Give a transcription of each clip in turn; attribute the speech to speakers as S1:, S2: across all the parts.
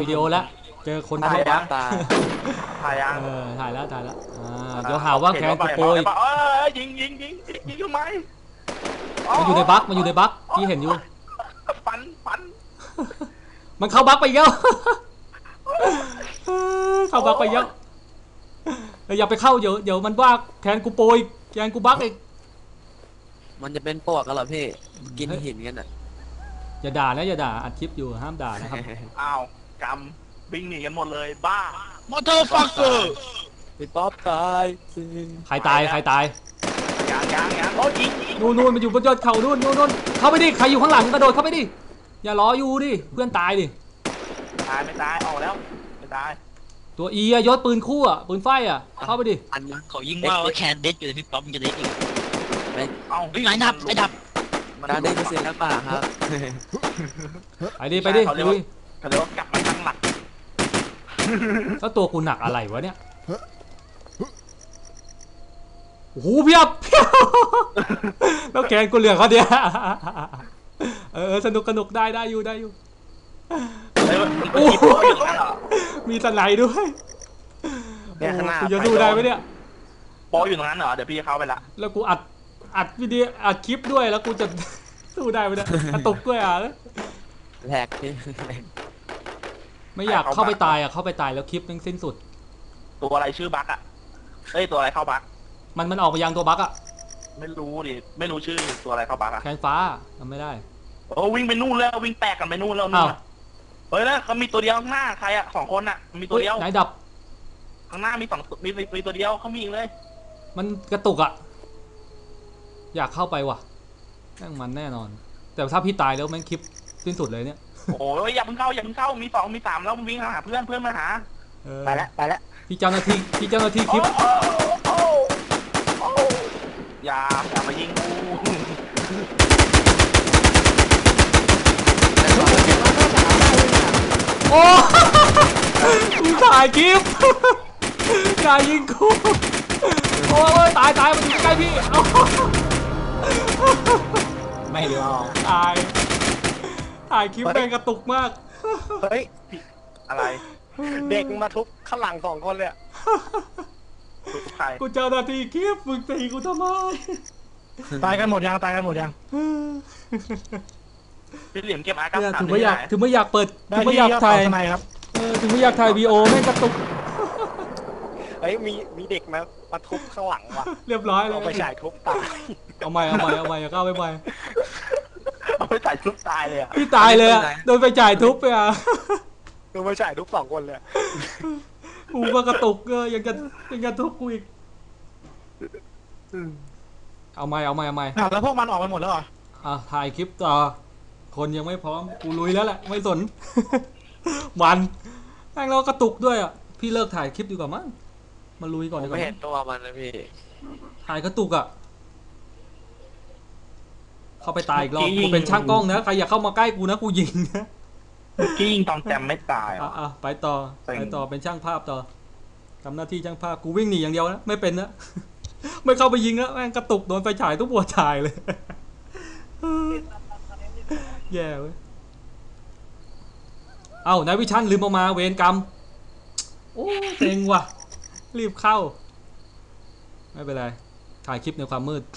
S1: วิดีโอแล้วเจอคน
S2: ถ่าย
S1: เข้าบั๊ก
S2: ถ่ายยัง
S1: ถ่ายแล้วเดี๋ยวหาว่าแคนกูโปรย
S2: ยิงทำไม
S1: มันอยู่ในบั๊กพี่เห็นอยู่
S2: ฟัน
S1: มันเข้าบั๊กไปเยอะเข้าบั๊กไปเยอะอย่าไปเข้าเดี๋ยวมันว่าแคนกูโปรยแคนกูบั๊กอีก
S3: มันจะเป็นปวกกันเหรอพี่กินหินกันอ่ะ
S1: อย่าด่านะอย่าด่าอัดคลิปอยู่ห้ามด่านะครับ
S2: อ้าวกำวิ่งหนีกันหมดเลยบ้าม
S3: อเตอร์ฟักเกอร์พี่ป๊อปตาย
S1: ใครตาย
S2: ยังโอ้ยิง
S1: นู่นมันอยู่บนยอดเขานู่นเข้าไปดิใครอยู่ข้างหลังกระโดดเข้าไปดิอย่ารออยู่ดิเพื่อนตายดิ
S2: ไม่ตายออกแล้วไม่ตาย
S1: ตัวอียศปืนคู่ปืนไฟเข้าไปดิ
S3: อันนั้นเขายิงว่าแคนเด็ดอยู่พี่ป๊อปจะเด็ดอีกวิ่งไหนดับมันได้เปอร์เซ็นต์แล้วป่ะครับ
S1: ไปดิเขาเรียก
S2: ว่ากลับมาตั้งหลัก
S1: แล้วตัวกูหนักอะไรวะเนี่ยโอ้โหเพียบแล้วแกนกูเหลือเขาเดียวสนุกได้อยู่มีสไลด์ด้วย
S2: เนี่ยข้างหน้า
S1: กูจะสู้ได้ไหมเนี่ย
S2: โปอยู่ตรงนั้นเหรอเดี๋ยวพี่เข้าไปละ
S1: แล้วกูอัดวิดีโออัดคลิปด้วยแล้วกูจะสู้ได้ไหมเนี่ยกระตุกด้วย
S3: แหลกที่
S1: ไม่อยากเข้าไปตายเข้าไปตายแล้วคลิปมันสิ้นสุด
S2: ตัวอะไรชื่อบั๊กตัวอะไรเข้าบั๊ก
S1: มันออกไปยังตัวบั๊ก
S2: ไม่รู้ดิไม่รู้ชื่อตัวอะไรเข้าบั๊ก
S1: แคนฟ้าทำไม่ได้
S2: โอ้วิ่งไปนู่นแล้ววิ่งแตกกันไปนู่นแล้วนี่เฮ้ยแล้วเขามีตัวเดียวข้างหน้าใคร2 คนมีตัวเดียว
S1: ไหนดับ
S2: ข้างหน้ามีมีตัวเดียวเขามีอีกเลย
S1: มันกระตุกอยากเข้าไปว่ะมันแน่นอนแต่ถ้าพี่ตายแล้วแม่งคลิปสิ้นสุดเลยเนี่ย
S2: โอ้ยอย่าเพิ่งเข้ามี2มี3แล้ววิ่งหาเพื่อนมาหาไปแล้ว
S1: พี่เจ้าหน้าที่คลิป
S2: อย่ามายิงกู
S1: โอ้กูถ่ายคลิปกายยิงกูโอ้ยตายมันอยู่ใกล้พี่
S2: ไม่รู้
S1: ถ่ายคลิปแม่งกระตุกมาก
S2: เฮ้ยอะไร
S4: เด็กมาทุบข้างหลัง2 คนเลย
S1: กูเจ้าหน้าที่คลิปมึงตีกูทำไม
S4: ตายกันหมดยัง
S2: พี่เหลี่ยมเก็บอาการ
S1: ถึงไม่อยากเปิดถึงไม่อยากถ่าย
S4: ครับ
S1: ถึงไม่อยากถ่ายวีโอแม่งกระตุก
S4: มีเด็กมาทุบข้างหลังว่ะ
S1: เรียบร้อยเลย
S4: เอาไปฉายทุบตาย
S1: เอาใหม่อย่าเข้าไป
S2: เอาไปจ่ายทุบตายเลย
S1: พี่ตายเลยโดนไปจ่ายทุบไป
S4: โดนไปฉายทุบ2 คนเลย
S1: กูก็กระตุกยังกันทุบกูอีกเอาใหม่
S4: แล้วพวกมันออกไปหมดแล้วเหรอ
S1: ถ่ายคลิปต่อคนยังไม่พร้อมกูลุยแล้วแหละไม่สนมันแม่งเรากระตุกด้วยพี่เลิกถ่ายคลิปดีกว่ามั้งมาลุยก่อนดีกว่า
S3: ไม่เห็นตัวมันนะพี่
S1: ถ่ายกระตุกเข้าไปตายอีกรอบกูเป็นช่างกล้องนะใครอยากเข้ามาใกล้กูนะกูยิงนะ
S2: ยิงตอนแจมไม่ตาย
S1: ไปต่อเป็นช่างภาพต่อทำหน้าที่ช่างภาพกูวิ่งหนีอย่างเดียวนะไม่เป็นนะไม่เข้าไปยิงนะแม่งกระตุกโดนไฟฉายทุกหัวฉายเลยแย่เว้ยนายวิชันลืมเอามาเวรกรรมโอ้เซ็งว่ะรีบเข้าไม่เป็นไรถ่ายคลิปในความมืด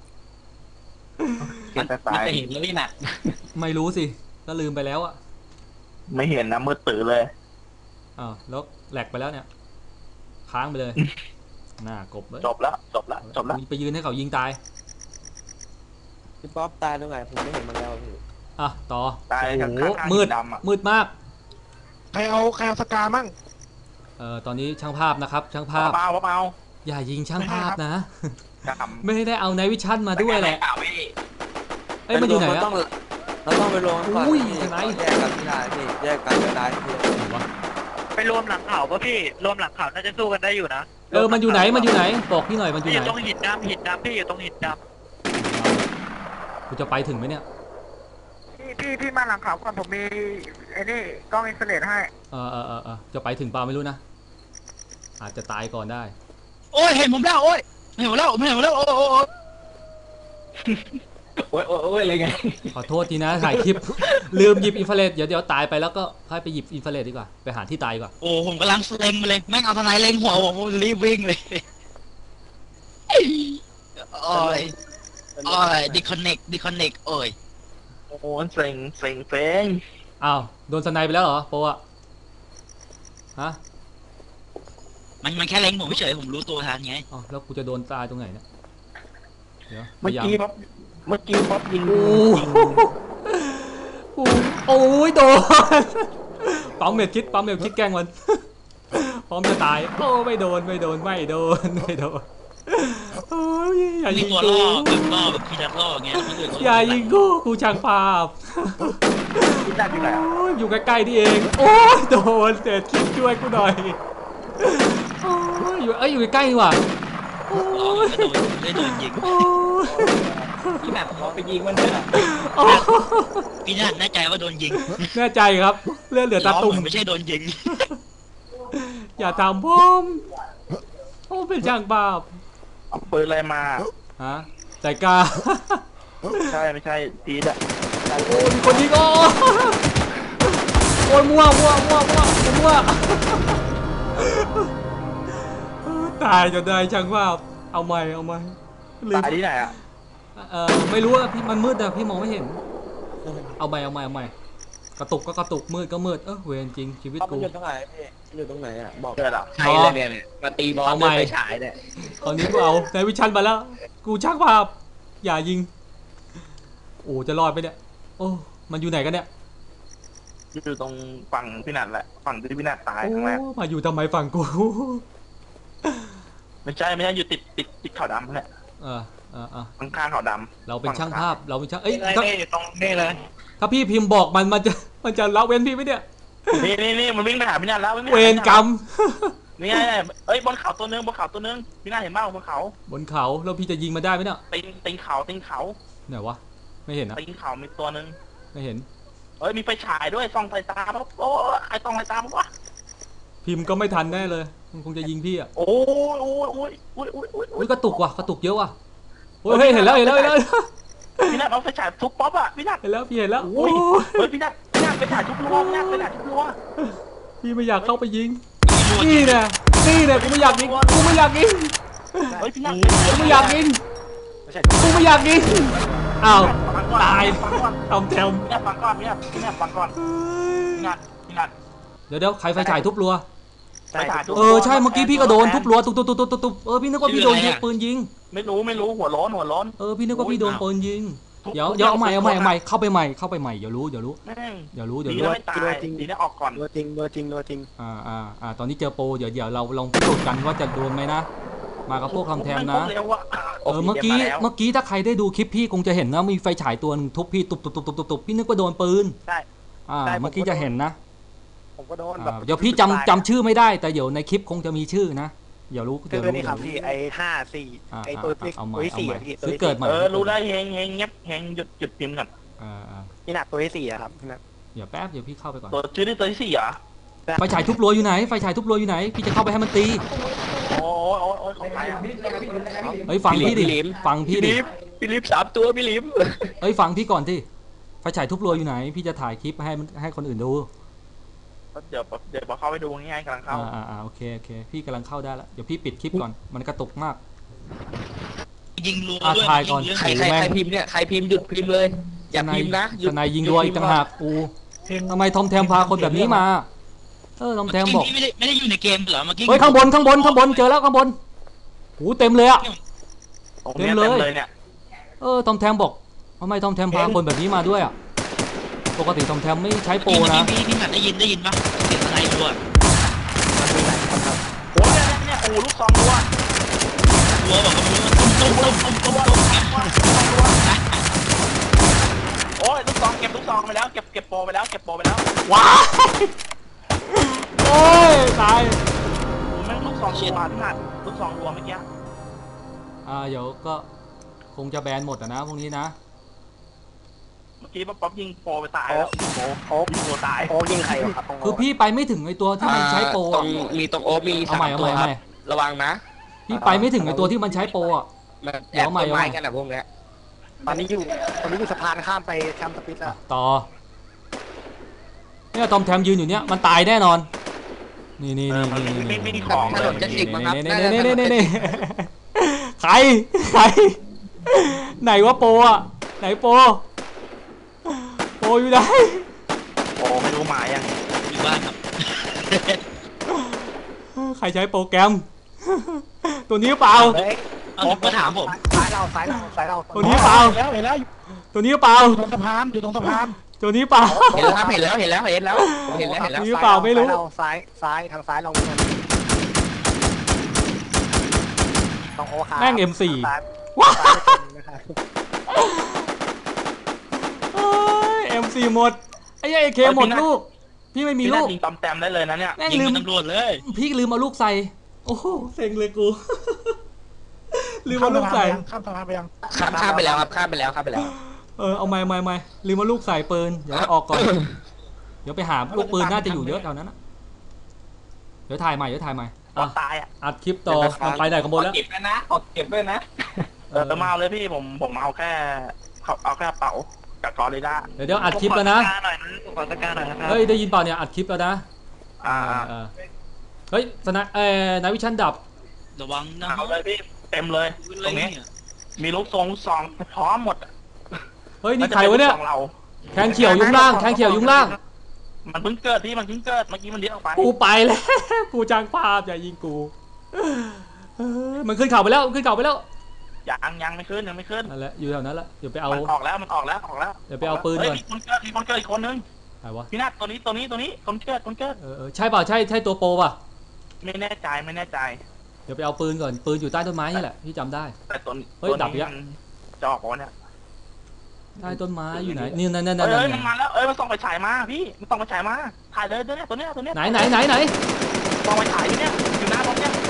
S3: มันจะเห็นแล้วนี่นะ
S1: ไม่รู้สิก็ลืมไปแล้ว
S2: ไม่เห็นนะมืดตื่นเลย
S1: แล้วแหลกไปแล้วเนี่ยค้างไปเลยหน้ากบเลย
S2: จบแล้ว
S1: ไปยืนให้เขายิงตาย
S3: พี่ป๊อปตายตรงไหนผมไม่เห็นมันแล้วพี่
S1: ต่อ
S2: ตายโอ้โห
S1: มืดมาก
S4: ใครเอาสกามั่ง
S1: ตอนนี้ช่างภาพนะครับช่างภาพอย่ายิงช่างภาพนะไม่ได้เอานายวิชันมาด้วยแหละมันอยู่ไหน
S3: เราต้องไปรวมก่อนแยกกันไม่ได้พี่แยกกันไม่ได้พี่
S4: ไปรวมหลังเขาป่ะพี่รวมหลังเขาน่าจะสู้กันได้อยู่นะ
S1: มันอยู่ไหนบอกพี่หน่อยมันอยู่ไหน
S4: ตรงหินดำพี่อยู่ตรงหินด
S1: ำกูจะไปถึงไหมเนี่ย
S4: พี่มาหลังเขาก่อนผมมีไอ้นี่กล้องอินฟราเรดให้
S1: จะไปถึงเปล่าไม่รู้นะอาจจะตายก่อนได้
S3: โอ้ยเห็นผมแล้วโอ้ยเห็นผมแล้วโอ้โอ้ยโอ้ยโอ้ยอะไรไง
S1: ขอโทษทีนะถ่ายคลิป ลืมหยิบอินฟราเรดเดี๋ยวตายไปแล้วก็ค่อยไปหยิบอินฟราเรดดีกว่าไปหาที่ตายดีกว่า
S3: โอ้ผมกำลังเล็งไปเลยแม่งเอาทนายเล็งหัวผมรีบวิ่งเลยโอ้ยโอ้ยดิคอนเน็กโอ้ย
S2: โอ้โหเซ็งเซ็งเซ็ง
S1: อ้าวโดนสไนไปแล้วเหรอโปอะฮะ
S3: มันแค่เล็งผมเฉยผมรู้ตัวทันไง
S1: อ๋อแล้วกูจะโดนตายตรงไหนเนี่ยเดี๋ยวพ
S2: เมื่อย
S1: ายาม
S2: กี้ป๊อปเมื่อกี้ป๊อปยิง
S1: โอ้โหโอ้ยโดนปั๊มเม็ดคิดแกล้งมัน พร้อมจะตายโอ้ไม่โดนโอ้ยอย่า
S3: มี
S1: ยิง
S3: ตัว
S1: กู
S3: ล่อแบบพี่นัดล่ออย่างเงี้ยคนอื่นเขา
S1: อย่ายิงกูช่างภาพ
S2: พี่นัทอยู่ไหนอะ
S1: โอ้ยอยู่ใกล้ๆนี่เองโอ้ยโดนเศษคิดช่วยกูหน่อยโอ้ยอยู่ใกล้ๆนี่หว่าโอ้
S3: ล่อย ไม่โดนยิง
S1: โอ้ย
S3: พี่แบบพอไปยิงมันเนี่ย
S1: โอ้ย
S3: พี่นัดแน่ใจว่าโดนยิง
S1: แน่ใจครับเลือดเหลือตาตุ่ม
S3: ไม่ใช่โดนยิง
S1: อย่าทำผมเป็นช่างภาพ
S2: เอาปืนอะไรมา
S1: ฮะใจกล้า
S2: ใช่ไม่ใช่ตีดอะ
S1: โอ้ยมีคนยิงโอ้ยมั่วตายจนได้ช่างภาพเอาใหม่ลืม
S2: ตายที่ไหนอะ
S1: ไม่รู้อะพี่มันมืดอะพี่มองไม่เห็นเอาใหม่กระตุกก็กระตุกมืดก็มืดเวรจริงชีวิตกู
S5: อยู่ตรงไหนพี่อยู่ตรงไหนอ่ะบอก
S2: เกิดอะ
S5: ใครเลยเนี่ยมาตีบอล
S1: เอาใหม่
S5: ด้วยไฟฉายเนี่ย
S1: ตอนนี้กูเอาในวิชันมาแล้ว กูช่างภาพอย่ายิงโอ้จะรอดไปเนี่ยโอ้มันอยู่ไหนกันเนี่ย
S2: อยู่ตรงฝั่งพี่นัทแหละฝั่งที่พี่นัทตาย
S1: โอ้
S2: ครั้งแรก
S1: มาอยู่ทำไมฝั่งกู
S2: ไม่ใช่อยู่ติดขาวดำแหละ
S1: เออ
S2: ข้างๆขาวด
S1: เราเป็นช่างภาพเราเป็นช่างเอ้ย
S5: นี่
S1: ถ้า
S5: ตรงนี่เลย
S1: ถ้าพี่พิมพ์บอกมันจะละเว้นพี่ไหมเนี่ย
S2: ำนี่มันวิ่งไปหาพี่นัทแล้ววิ่งไปหา
S1: เวรกรรม
S2: นี่ไงเอ้ยบนเขาตัวนึงพี่นัทเห็นบ้างบนเขา
S1: บนเขาแล้วพี่จะยิงมาได้ไหมเนี่ย
S2: ตีนเขา
S1: ไหนวะไม่เห็นนะ
S2: ตีนเขามีตัวนึง
S1: ไม่เห็น
S2: เอ้ยมีไฟฉายด้วยส่องสายตาปั๊บโอ้ใครส่องสายตาปั๊บวะ
S1: พิมพ์ก็ไม่ทันแน่เลยมันคงจะยิงพี่อ่ะ
S2: โอ้ย
S1: อุ้ยกระตุกเยอะว่ะโอ้ยเห็นแล้ว
S2: พี่นัทเอาไฟฉายทุบป๊อปอะพี่นัท
S1: เห็นแล้วพี่เห็นแล้ว
S2: โอ้ยเฮ้ยพี่นัทไปถ่ายทุบรั้วพี่นัทไปถ่ายทุบรั้ว
S1: พี่ไม่อยากเข้าไปยิงนี่นะกูไม่อยากยิง
S2: เฮ้ยพี่นัท
S1: กูไม่อยากยิงอ้าวตายทำแถม
S2: พี่นัทฟังก่อนพี่นัทฟังก่อนพี่นัท
S1: เดี๋ยวใครไฟฉายทุบรัว
S2: ไปถ่ายทุบ
S1: ใช่เมื่อกี้พี่ก็โดนทุบรัวตุบพี่นึกว่าพี่โดนยิงปืนยิง
S2: ไม่รู้หัวร้อน
S1: พี่นึกว่าพี่โดนปืนยิงเดี๋ยวเอาใหม่เข้าไปใหม่เดี๋ยวรู้
S2: แม่ง
S1: รู้
S2: ดีนะไม่ตายดีนะออกก่อน
S5: ตัวจริง
S1: ตอนนี้เจอโปรเดี๋ยวเราลองพิสูจน์กันว่าจะโดนไหมนะมากับพวกคำแทมนะ เมื่อกี้ถ้าใครได้ดูคลิปพี่คงจะเห็นนะมีไฟฉายตัวนึงทุบพี่ตุบพี่นึกว่าโดนปืน
S2: ใช่
S1: เมื่อกี้จะเห็นนะ
S5: ผมก็โดนแบบ
S1: เดี๋ยวพี่จำชื่อไม่ได้แต่เดี๋ยวในคลิปคงจะมีชื่อนะเดี๋ยวรู้
S5: คือนี่ครับพี่ไอ้5-4ไอ้ตัวที่ตัวที่4พี่ตัว
S1: ซื้อ
S5: ที่
S1: เกิดใหม่
S2: รู้ได้เฮงเงียบเฮงหยุดพิมพ์ก่อน
S5: พี่หนักตัวที่4อะครับพี่หนัก
S1: เดี๋ยวแป๊บเดี๋ยวพี่เข้าไปก่อน
S2: ตัวชื่อนี่ตัวที่4เหรอ
S1: ไฟฉายทุบรัวอยู่ไหนพี่จะเข้าไปให้มันตี
S2: โอ้ยของใครอ่ะ
S1: เฮ้ยฟังพี่ดิ
S5: พี่ลิฟ3ตัวพี่ลิฟ
S1: เฮ้ยฟังพี่ก่อนที่ไฟฉายทุบรัวอยู่ไหนพี่จะถ่ายคลิปให้คนอื่นดู
S2: เดี๋ยวพอเข้าไปดูง่ายๆกำลังเข้า
S1: โอเคพี่กำลังเข้าได้แล้วเดี๋ยวพี่ปิดคลิปก่อนมันกระตุกมาก
S3: ยิงรัว
S1: ถ่ายก่อน
S5: ใครพิมพ์เนี่ยใครพิมพ์หยุดพิมพ์เลยอย่าพิมพ์นะหยุด
S1: ทนายยิงรัวอีกต่างหากกูทำไมทอมแทมพาคนแบบนี้มาทอมแทมบอก
S3: ไม่ได้อยู่ในเกมเหรอเมื่อกี้
S1: เฮ้ยข้างบนเจอแล้วข้างบนหูเต็มเลยอะ
S2: ตรงนี้เต็มเลยเนี่ย
S1: ทอมแทมบอกทำไมทอมแทมพาคนแบบนี้มาด้วยอะปกติทอมแทมไม่ใช้โปรนะ
S3: พี่หนัดได้ยินปะเสียงอะไรรัว
S2: โอ้ยเนี่ยโอ้ลูกซองรัว
S3: รัวบอกว่าตุ้ม
S2: โอ้ยลูกซองเก็บลูกซองไปแล้วเก็บโปรไปแล้ว
S1: ว้ายโอ้ยตาย
S2: แม่งลูกซองรัวพี่นัทลูกซองรัวเมื่อกี้
S1: เดี๋ยวก็คงจะแบนหมดนะพวกนี้นะ
S2: เมื่อกี้ป๊อปยิงโปรไปตายแล้วโอ้ยิงโปรตาย
S5: โอ้ยิงใครครับ
S1: คือพี่ไปไม่ถึงไอตัวที่มันใช้โปร
S5: ตรงมีตรงโอ้มี3ตัวครับระวังนะ
S1: พี่ไปไม่ถึงไอตัวที่มันใช้โปรอะ
S5: แอบต้นไม้กันนะพวกเนี้ยตอนนี้อยู่สะพานข้ามไปแคมป์สปิทแล้ว
S1: ต่อเนี่ยทอมแทมยืนอยู่เนี่ยมันตายแน่นอนนี่
S2: ไม่มีของ
S3: ถนนจะจิกมั้งครับ
S1: นี่ใครไหนวะโปอ่ะไหนโปอยู่ไหน
S2: โอ้ไม่รู้หมายยัง
S3: อยู่บ้านครับ
S1: ใครใช้โปรแกรมตัวนี้เปล่า
S3: เอามาถามผม
S5: สายเรา
S1: ตัวนี้เปล่า
S4: เห็นแล้ว
S1: ตัวนี้เปล่า
S4: อยู่ตรงสะพาน
S1: ตัวนี้เปล่า
S3: เห็นแล้วครับเห็นแล้ว
S1: ตัวนี้เปล่าไม่รู้
S5: ซ้ายทางซ้ายเราต้องโอคา
S1: แม่ง M4
S5: ว้า
S1: M4 หมดไอ้เอเคหมดลูกพี่ไม่มีลูก
S2: ยิงตอมแต้มได้เลยนะเนี่ย
S1: แม่ง
S3: ยิง
S1: ลืม
S3: เป็นตำรวจเลย
S1: พี่ลืมเอาลูกใส่โอ้โหเซ็งเลยกูลืมเอาลูกใส่
S4: ข้ามสะพานไปยัง
S3: ข้ามไปแล้วครับข้ามไปแล้ว
S1: เอาไม่ลืมเอาลูกใส่ปืนเดี๋ยวออกก่อนเดี๋ยวไปหาลูกปืนน่าจะอยู่เยอะแถวนั้นนะเดี๋ยวถ่ายใหม่
S2: ตายอ่ะ
S1: อัดคลิปต่อมันไปไหนกันหมดแล้ว
S3: เก็บด้วยนะขอเก็บด้วยนะ
S2: มาเลยพี่ผมเอาแค่เป๋ากับกอริลล่า
S1: เดี๋ยวอัดคลิปแล้วนะ
S3: ขอตะการหน่อยนะครับ
S1: เฮ้ยได้ยินเปล่าเนี่ยอัดคลิปแล้วนะเฮ้ยสนะนายวิชันดับ
S3: ระวังนะ
S2: เอาเลยพี่เต็มเลยตรงนี้มีลูกซองพร้อมหมด
S1: เฮ้ยนี่ใครวะเนี่ยแคนเขียวยุงล่าง
S2: มันเพิ่งเกิดพี่มันเพิ่งเกิดเมื่อกี้มันเลี้ยงออกไป
S1: กูไปแล้วกูจ้างภาพอย่ายิงกูมันขึ้นเขาไปแล้ว
S2: ยังไม่ขึ้น
S1: นั่นแหละอยู่แถวนั้นละเดี๋ยวไปเอา
S2: มันออกแล้ว
S1: เดี๋ยวไปเอาปืนก่อน
S2: มีคนเกิดอีกคนนึง
S1: ใครวะ
S2: พี่นัทตัวนี้คนเกิด
S1: ใช่เปล่าใช่ตัวโปรป่ะ
S2: ไม่แน่ใจ
S1: เดี๋ยวไปเอาปืนก่อนปืนอยู่ใต้ต้นไม้นี่แหละพี่จำได้
S2: แต่ตัว
S1: เฮ้ยดับอีกแล้ว
S2: จะออกวะเนี่ย
S1: ใต้ต้นไม้อยู่ไหนนี่นั่น
S2: เอ้ยมันมาแล้วมันส่องไปฉายมาพี่มันส่องไปฉายมาถ่ายเลยตัวเนี้ย
S1: ไหน
S2: ส่องไปฉายอยู่เนี่ยอยู่หน้ารถเนี่ย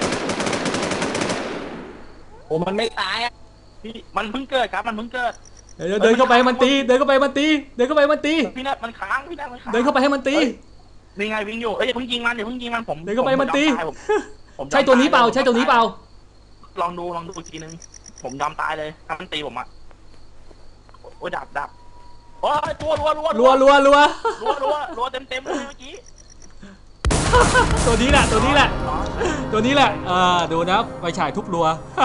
S3: โอ้มันไม่ตายอ่ะ
S2: พี่มันเพิ่งเกิดครับมันเพิ่งเกิด
S1: เดินเข้าไปมันตีพี่นัทมันค้างเดินเข้าไปให้มันตี
S2: นี่ไงวิ่งอยู่อย่าเพิ่งยิงมันผม
S1: เดินเข้าไปมันตีใช่ตัวนี้เปล่า
S2: ลองดูอีกทีนึงผมยอมตายเลยถ้ามันตีผมอ่ะโอ้ยดับโอ้ยตัวรัวเต็มเลยเมื่อกี้
S1: ตัวนี้แหละดูนะไปฉายทุบรัว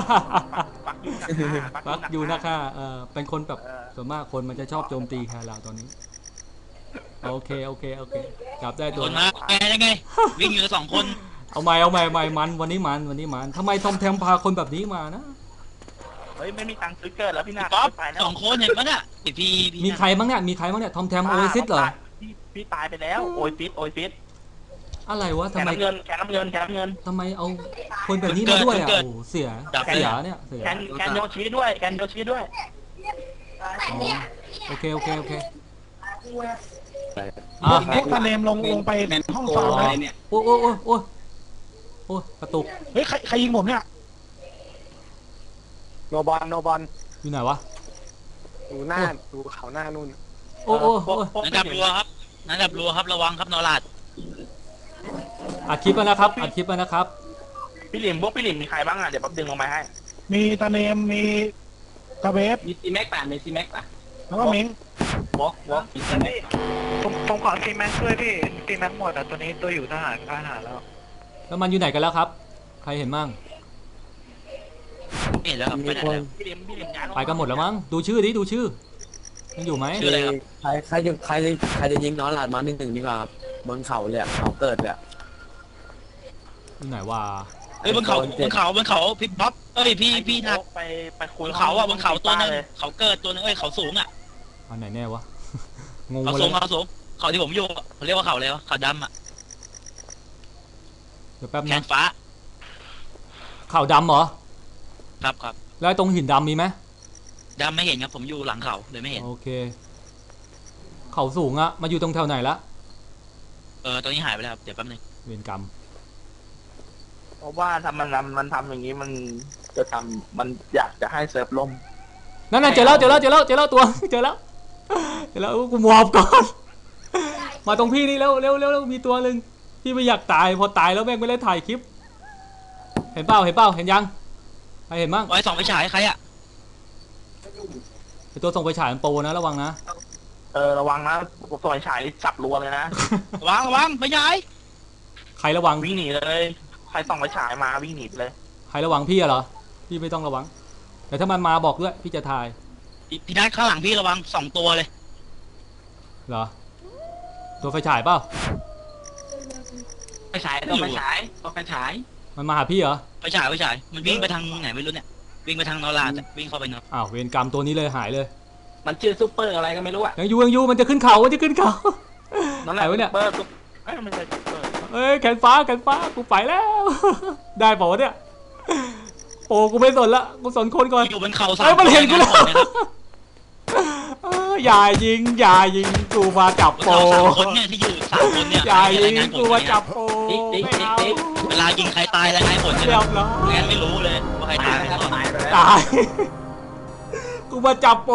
S1: ปักอยู่นะคะเป็นคนแบบส่วนมากคนมันจะชอบโจมตีใครเราตอนนี้โอเคกลับได้ตัว
S3: นะไงวิ่งอยู่2 คน
S1: เอาใหม่มันวันนี้มันทำไมทอมแทมพาคนแบบนี้มานะ
S2: เฮ้ยไม่มีตังค์ซื้อเกิดแล้วพี่นา
S3: ป๊อป2 คนเห็นปะเนี่ยพี่
S1: มีใครบ้างเนี่ยทอมแทมโอซิสเหรอ
S2: พี่ตายไปแล้วโอซิส
S1: อะไรวะทำไม
S2: แคนน้ำเงิน
S1: ทำไมเอาคนแบบนี้มาด้วยอ่ะโอ้เสียเนี่ย
S2: แคนโยชิด้วย
S1: โอเค
S4: ตาเนมลงไปห้องซ้อมอะไรเนี่ย
S1: โอ้กระตุก
S4: เฮ้ยใครยิงผมเนี่ย
S5: โนบอล
S1: อยู่ไหนวะ
S5: ดูเขาหน้านู่น
S3: นั่นดับรัวครับระวังครับนอราด
S1: อัดคลิปแล้วนะครับ
S2: พี่หลิมมีใครบ้างอ่ะเดี๋ยวป๊บดึงลงมาให้
S4: มีตาเนมมีตาเบฟ
S3: มีซีแม็กป่ะ
S4: แล้วก็มิง
S2: วอล์ก
S4: ผมขอซีแม็กด้วยพี่ซีแม็กหมดอ่ะตัวนี้ตัวอยู่ทหาร
S1: แล้วมันอยู่ไหนกันแล้วครับใครเห็นมั่ง
S3: เห็นแล้วครับ
S2: พี่หลิม
S1: ไปกันหมดแล้วมั้งดูชื่อยังอยู่ไหม
S3: ชื่ออะไรครับ
S6: ใครจะยิงน้องหลาดมา1-1ดีกว่าบนเขาเลยเขาเกิดเลย
S1: อยู่ไหนวะ
S3: บนเขาพี่บ๊อบพี่นัท
S2: ไปคุย
S3: เขาอ่ะบนเขาตัวนึงเขาเกิดตัวนึงเขาสูงอ่ะ
S1: อันไหนแน่วะงง
S3: เขาสูงเขาที่ผมอยู่เขาเรียกว่าเขาอะไรวะเขาดำอ่ะ
S1: เดี๋ยวแป๊บ
S3: นะแขนฟ้า
S1: เขาดำเหรอ
S3: ครับ
S1: แล้วตรงหินดำมีไหม
S3: ดำไม่เห็นครับผมอยู่หลังเขาเลยไม่เห็น
S1: โอเคเขาสูงอะมาอยู่ตรงแถวไหนละ
S3: ตอนนี้หายไปแล้วครับเดี๋ยวแป๊บนึง
S1: เวรกรรม
S2: เพราะว่าถ้ามันทำอย่างนี้มันจะทำมันอยากจะให้เซิร์ฟล่ม
S1: นั่นเจอแล้วตัวเจอแล้วกูหมอบก่อนมาตรงพี่นี่เร็วมีตัวนึงพี่ไม่อยากตายพอตายแล้วแม่งไม่ได้ถ่ายคลิปเห็นเปล่าเห็นยังใครเห็นบ้าง
S3: ไว้2 ไฟฉายใครอ่ะ
S1: ตัวส่งไปฉายมันโปรนะระวังนะ
S2: ระวังนะส่วนฉายจับรัวเลยนะ
S3: ระวังไปย้าย
S1: ใครระวัง
S2: วิ่งหนีเลยใครส่องไปฉายมาวิ่งหนีไปเลย
S1: ใครระวังพี่อะเหรอพี่ไม่ต้องระวัง แต่ถ้ามันมาบอกด้วยพี่จะถ่าย
S3: พี่นัทข้างหลังพี่ระวัง2 ตัวเลย
S1: เหรอตัวไฟฉายเปล่า
S2: ไปฉายต้องไปฉายต้องไปฉาย
S1: มันมาหาพี่เหรอ
S3: ไปฉายมันวิ่งไปทางไหนไม่รู้เนี่ยวิ่งไปทางนอราดวิ่งเข้าไปเนาะ
S1: อ้าวเวรกรรมตัวนี้เลยหายเลย
S2: มันชื่อซุปเปอร์อะไรก็ไม่รู้อะ
S1: ยังอยู่มันจะขึ้นเขามันจะขึ้นเขา
S2: นั่นแหละ
S1: ไหนวะเนี่ย
S2: ซุปเปอร์ไม่ใช่ซุปเปอร์
S1: เอ้ยแขนฟ้ากูไปแล้ว ได้เปล่าวะเนี่ยโอ้กูไม่สนละกูสนคนก่อน
S3: อยู่บนเขา3
S1: เอ้ยมันเห็นกูแล้วอย่ายิงกูมาจับโป
S3: 3 คนเนี่ยที่อยู่3 คนเนี่ย
S1: อย่ายิงกูมาจับโปไม่เอา
S3: เวลายิงใครตายแล้วให้ผลใช่ไห
S1: เรี
S3: ม
S1: ยบร้อย
S3: งั้นไม่รู้เลยว่าใครตาย
S1: ตาย กูมาจับโป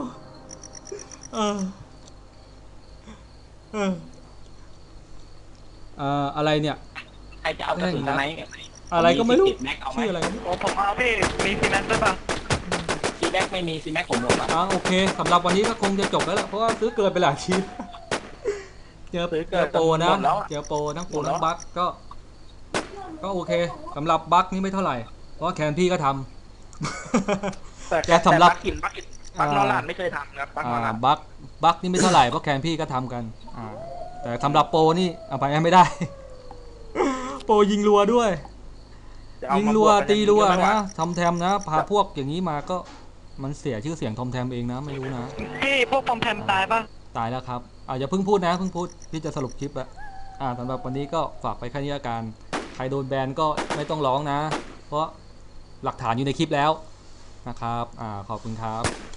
S1: อะไรเนี่ย
S2: ใครจะเอากระสุนไหน
S1: อะไรก็ไม่รู้
S2: แม็กเอาไหม
S1: ชื่ออะไร
S4: โอ้ผมเอาพี่มีซีแมนด้วยป่ะ
S2: ซีแม็กไม่มีซีแม็กผมหมดละ
S1: โอเคสำหรับวันนี้ก็คงจะจบแล้วแหละเพราะว่าซื้อเกินไปหลายชิ้นเจอโปรนะเจอโปรทั้งโปรทั้งบัคก็โอเคสำหรับบัคนี่ไม่เท่าไหร่เพราะแคนพี่ก็ทำ
S2: แต่
S1: แกสำหรับ
S2: บักนอรันไม่เคยทำครับบักนอรัน
S1: บัคนี่ไม่เท่าไหร่เพราะแคนพี่ก็ทำกันแต่สำหรับโปรนี่เอาไปไม่ได้ โปรยิงรัวด้วยยิงรัวตีรัวนะทอมแทมนะพาพวกอย่างนี้มาก็มันเสียชื่อเสียงทอมแทมเองนะไม่รู้นะ
S4: พี่พวกปอมแพมตายป่ะ
S1: ตายแล้วครับอย่าเพิ่งพูดนะเพิ่งพูดพี่จะสรุปคลิปแล้วสำหรับวันนี้ก็ฝากไปแค่นี้ละกันใครโดนแบนก็ไม่ต้องร้องนะเพราะหลักฐานอยู่ในคลิปแล้วนะครับขอบคุณครับ